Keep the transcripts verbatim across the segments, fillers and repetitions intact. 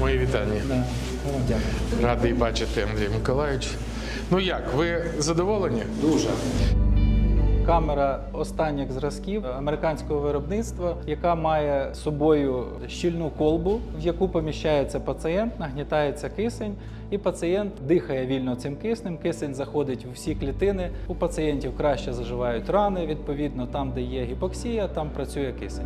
Мої вітання. Да. Дякую. Радий бачити, Андрій Миколаївич. Ну як, ви задоволені? Дуже. Камера останніх зразків американського виробництва, яка має з собою щільну колбу, в яку поміщається пацієнт, нагнітається кисень, і пацієнт дихає вільно цим киснем. Кисень заходить у всі клітини. У пацієнтів краще заживають рани, відповідно, там, де є гіпоксія, там працює кисень.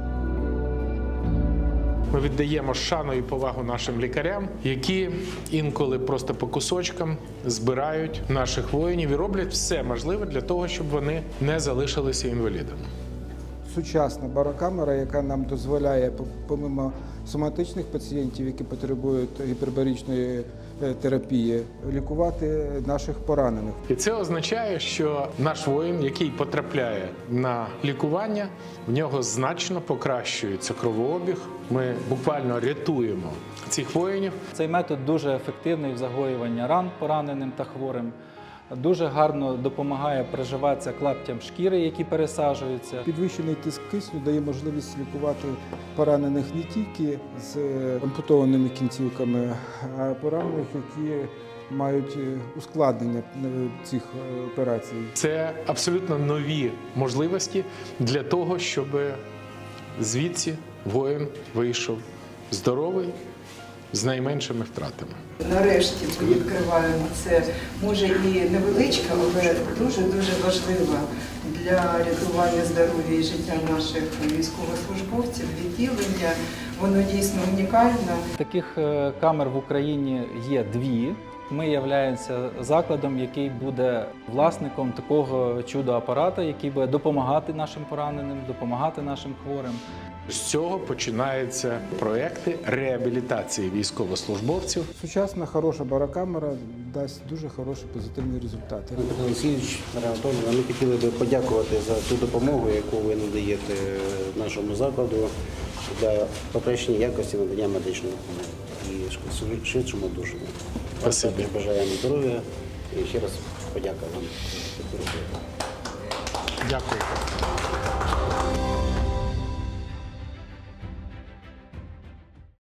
Ми віддаємо шану і повагу нашим лікарям, які інколи просто по кусочкам збирають наших воїнів і роблять все можливе для того, щоб вони не залишилися інвалідами. Сучасна барокамера, яка нам дозволяє, помимо соматичних пацієнтів, які потребують гіпербаричної терапії, лікувати наших поранених. І це означає, що наш воїн, який потрапляє на лікування, в нього значно покращується кровообіг. Ми буквально рятуємо цих воїнів. Цей метод дуже ефективний в загоюванні ран пораненим та хворим. Дуже гарно допомагає приживатися клаптям шкіри, які пересаджуються. Підвищений тиск кисню дає можливість лікувати поранених не тільки з ампутованими кінцівками, а поранених, які мають ускладнення цих операцій. Це абсолютно нові можливості для того, щоб звідси воїн вийшов здоровий, з найменшими втратами. Нарешті ми відкриваємо це, може і невеличка, але дуже-дуже важлива для рятування здоров'я і життя наших військовослужбовців, відділення. Воно дійсно унікальне. Таких камер в Україні є дві. Ми являємося закладом, який буде власником такого чудо-апарата, який буде допомагати нашим пораненим, допомагати нашим хворим. З цього починаються проекти реабілітації військовослужбовців. Сучасна, хороша барокамера дасть дуже хороші позитивні результати. Петро Олексійович, Марія Анатоліївна, ми хотіли би подякувати за ту допомогу, яку ви надаєте нашому закладу для покращення якості надання медичної допомоги і швидшому одужанню. Спасибі. Також бажаємо здоров'я і ще раз подяка вам. Дякую.